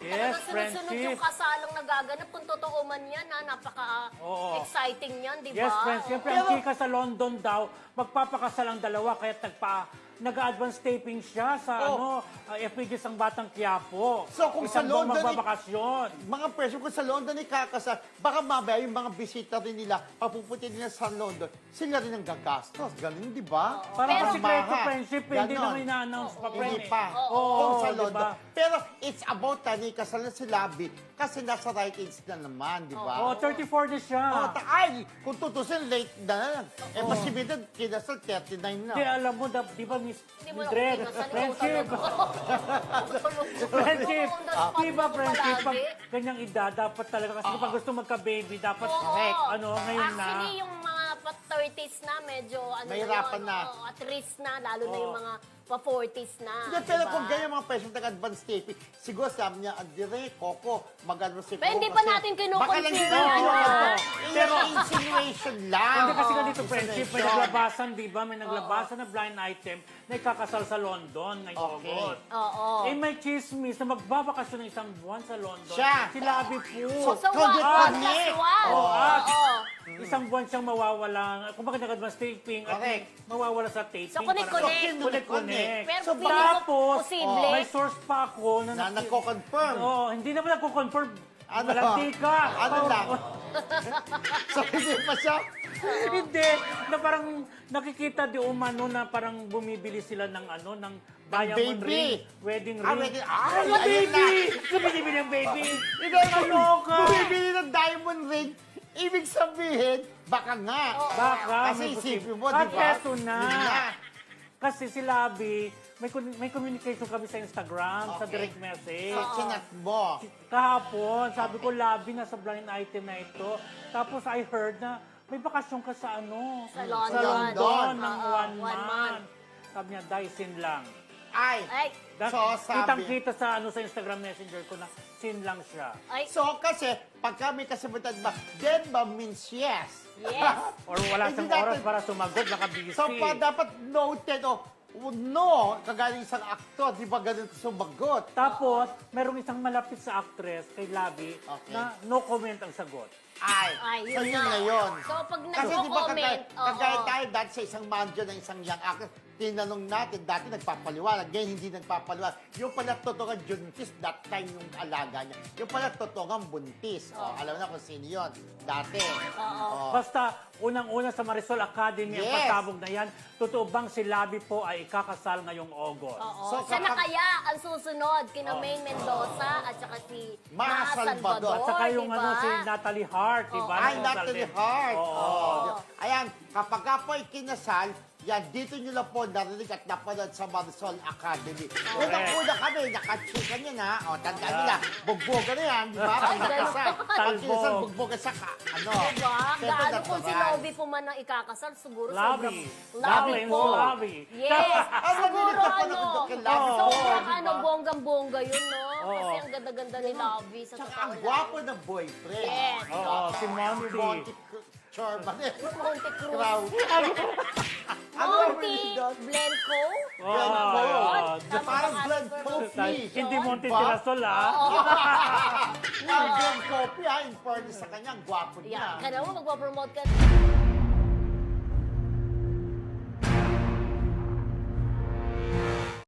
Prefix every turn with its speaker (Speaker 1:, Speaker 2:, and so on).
Speaker 1: Yes,
Speaker 2: talaga sunod-sunod
Speaker 1: friendship.
Speaker 2: yung kasalang nagaganap. Kung totoo man yan, napaka-exciting yan, di ba?
Speaker 1: Yes, friends. Siyempre, ang chika sa London daw, magpapakasal ang dalawa, kaya nag-advance taping siya sa FPJ Sang Batang Quiapo.
Speaker 3: So, kung sa
Speaker 1: Isang buwang
Speaker 3: London,
Speaker 1: magbabakasyon.
Speaker 3: mga presyo, kung sa London ikakasal, baka mamaya yung mga bisita rin nila, papupunti nila sa London, sila rin ang gagastos. Ganun, di ba?
Speaker 1: Parang
Speaker 2: Pero-
Speaker 1: kasi secreto
Speaker 3: Maha.
Speaker 1: friendship, hindi
Speaker 3: Ganon.
Speaker 1: naman ina-announce pa, friend.
Speaker 3: Hindi pa.
Speaker 1: Oo,
Speaker 3: Kung sa
Speaker 1: di
Speaker 3: London.
Speaker 1: ba?
Speaker 3: Pero it's about tani kasal na si Labi kasi nasa right age na naman, di ba?
Speaker 1: Oo, 34 na siya.
Speaker 3: Ay, kung tutusin, late na. Eh, mas si Bidon, kinasal 39 na.
Speaker 1: Hindi, alam mo, di ba, Miss
Speaker 2: Hindi mo na
Speaker 1: Mildred,
Speaker 2: kinasal,
Speaker 1: friendship.
Speaker 2: ikaw
Speaker 1: Friendship.
Speaker 2: On the spot
Speaker 1: Di ba,
Speaker 2: mo
Speaker 1: friendship, pag
Speaker 2: palagi.
Speaker 1: ganyang edad, dapat talaga, kasi pag gusto magka-baby, dapat,
Speaker 2: Oo.
Speaker 1: ngayon na.
Speaker 2: Actually, yung mga pa-30s na, medyo
Speaker 3: Mahirapan
Speaker 2: yun,
Speaker 3: na.
Speaker 2: at risk na, lalo na yung mga pa-40s na.
Speaker 3: Hindi, pero
Speaker 2: diba?
Speaker 3: kung ganyan mga presyo nag-advance taping, siguro sabi niya, Dire, Coco, magano si
Speaker 2: Pero hindi pa natin
Speaker 3: Baka lang
Speaker 2: kinukonfirm.
Speaker 3: kinukonfirm.
Speaker 1: Pero-
Speaker 3: Pero insinuation lang.
Speaker 1: Hindi kasi ganito, friendship, may
Speaker 3: Insinuation.
Speaker 1: naglabasan, di ba? May naglabasan na blind item na ikakasal sa London ngayong
Speaker 3: Okay.
Speaker 1: August.
Speaker 2: Oo.
Speaker 1: Eh, may chismis na magbabakasyon ng isang buwan sa London.
Speaker 3: Siya.
Speaker 1: Si Labi po.
Speaker 2: So,
Speaker 3: Connect,
Speaker 2: one
Speaker 3: connect.
Speaker 2: plus one.
Speaker 1: Oo, at
Speaker 2: Oo.
Speaker 1: isang buwan siyang mawawala. Kung bakit nag-advance taping at
Speaker 3: Correct.
Speaker 1: mawawala sa taping.
Speaker 2: So, connect-connect.
Speaker 1: Connect-connect.
Speaker 2: Pero
Speaker 3: So,
Speaker 2: feeling ko
Speaker 1: tapos,
Speaker 2: posible.
Speaker 1: may source pa ako
Speaker 3: Na nagko-confirm.
Speaker 1: Oo, hindi naman nagko-confirm.
Speaker 3: Ano?
Speaker 1: Walang tika.
Speaker 3: Ano lang? So, hindi pa siya.
Speaker 1: Hindi, na parang nakikita di umano na parang bumibili sila ng ng diamond
Speaker 3: baby.
Speaker 1: ring, wedding
Speaker 3: Ah,
Speaker 1: ring.
Speaker 3: wedding-
Speaker 1: Ay,
Speaker 3: ayun
Speaker 1: baby!
Speaker 3: na.
Speaker 1: Bumibili ng baby!
Speaker 3: Hindi,
Speaker 1: Kaloka!
Speaker 3: bumibili ng diamond ring, ibig sabihin, baka nga.
Speaker 1: Baka,
Speaker 3: Kasi
Speaker 1: may
Speaker 3: isipin
Speaker 1: posible.
Speaker 3: mo, di
Speaker 1: At
Speaker 3: ba?
Speaker 1: eto na.
Speaker 3: Yun na.
Speaker 1: Kasi si Labi, may communication kami sa Instagram, sa
Speaker 3: Okay.
Speaker 1: direct message.
Speaker 3: So, chinat mo.
Speaker 1: Kahapon, sabi ko, Labi, nasa blind item na ito. Tapos I heard na may bakasyon ka sa
Speaker 2: Sa
Speaker 1: Sa
Speaker 2: London.
Speaker 1: London ng
Speaker 2: Oo,
Speaker 1: 1
Speaker 2: 1
Speaker 1: month.
Speaker 2: month.
Speaker 1: Sabi niya, Dyson lang.
Speaker 3: Ay.
Speaker 2: Ay,
Speaker 3: So, sabi.
Speaker 1: Kitang-kita sa sa Instagram Messenger ko na sin lang siya.
Speaker 2: ay,
Speaker 3: So, kasi, pagka may kasabutan ba, then ba means yes.
Speaker 2: yes.
Speaker 1: Or wala
Speaker 3: Hindi
Speaker 1: siyang oras
Speaker 3: natin-
Speaker 1: para sumagot, nakabisi.
Speaker 3: So, dapat noted o no, kagaling isang aktor, di ba ganun sumagot?
Speaker 1: Tapos, merong isang malapit sa actress kay Labi
Speaker 3: Okay.
Speaker 1: na no comment ang sagot.
Speaker 3: Ay,
Speaker 2: Ay,
Speaker 3: so
Speaker 2: yun
Speaker 3: yun
Speaker 2: na.
Speaker 3: na yun.
Speaker 2: So, pag
Speaker 3: Kasi di ba
Speaker 2: nagko-comment,
Speaker 3: kagaya
Speaker 2: oo.
Speaker 3: tayo dati sa isang manager ng isang young actor, tinanong natin, dati nagpapaliwanag, ngayon hindi nagpapaliwanag. Yung pala totoong juntis, that time yung alaga niya. Yung pala totoong buntis. Alam na kung sino yun. Dati. Oh.
Speaker 1: Basta, unang-una sa Marisol Academy ang
Speaker 3: Yes.
Speaker 1: pasabog na yan, totoo bang si Labi po ay ikakasal ngayong August?
Speaker 2: Oo.
Speaker 3: So,
Speaker 2: Siya na
Speaker 3: kapag-
Speaker 2: kaya ang susunod kina Maine Mendoza at saka si
Speaker 3: Maha Salvador.
Speaker 1: At saka yung
Speaker 2: diba?
Speaker 1: si Natalie Hart, di ba?
Speaker 3: Ay,
Speaker 1: Nagkasal
Speaker 3: Natalie
Speaker 1: din.
Speaker 3: Hart.
Speaker 1: Oo.
Speaker 3: Oh. Ayan, kapag ka po ay kinasal, yan, dito nyo lang po narinig at napanood sa Marisol Academy. Unang-una kami, nakachika nyo na. O, tandaan nyo na, bugboga na yan, di ba? Pag
Speaker 2: Ay, ganun.
Speaker 3: nakasal. Pag
Speaker 1: Talbog.
Speaker 3: kinasal, bugboga sa ano.
Speaker 2: Diba?
Speaker 3: Siyempre,
Speaker 2: Gaano kung si
Speaker 3: natural.
Speaker 2: Lovie po man ang ikakasal, siguro
Speaker 1: Labi.
Speaker 2: sobrang...
Speaker 1: Labi,
Speaker 2: po.
Speaker 1: yung Labi.
Speaker 2: Yes.
Speaker 3: Ang
Speaker 2: siguro
Speaker 3: narinig ako
Speaker 2: ano,
Speaker 3: na kay Labi po,
Speaker 2: sobrang
Speaker 3: di ba?
Speaker 2: ano, bonggang-bongga yun, no?
Speaker 1: Oo.
Speaker 2: Kasi ang ganda-ganda ni Lovie sa
Speaker 3: Tsaka
Speaker 2: totoo
Speaker 3: ang
Speaker 2: lang.
Speaker 3: gwapo ng boyfriend.
Speaker 2: Yes.
Speaker 1: Oo, si Monty.
Speaker 3: Monty Chorban.
Speaker 2: Monte Cruz.
Speaker 3: Crow. Ano ang
Speaker 2: Monty
Speaker 3: really doon?
Speaker 2: Blenco.
Speaker 3: Glenn
Speaker 1: Oo.
Speaker 3: Cole.
Speaker 2: Tama
Speaker 3: Parang
Speaker 2: ba
Speaker 3: Glenn
Speaker 2: ang
Speaker 3: Cole.
Speaker 2: pronunciation?
Speaker 1: Hindi Monty
Speaker 3: Ba?
Speaker 1: Tirasol, ah.
Speaker 3: Ang Glenn Coffee, in fairness sa kanya, ang gwapo
Speaker 2: Yan.
Speaker 3: niya.
Speaker 2: Kaya mo magpapromote ka.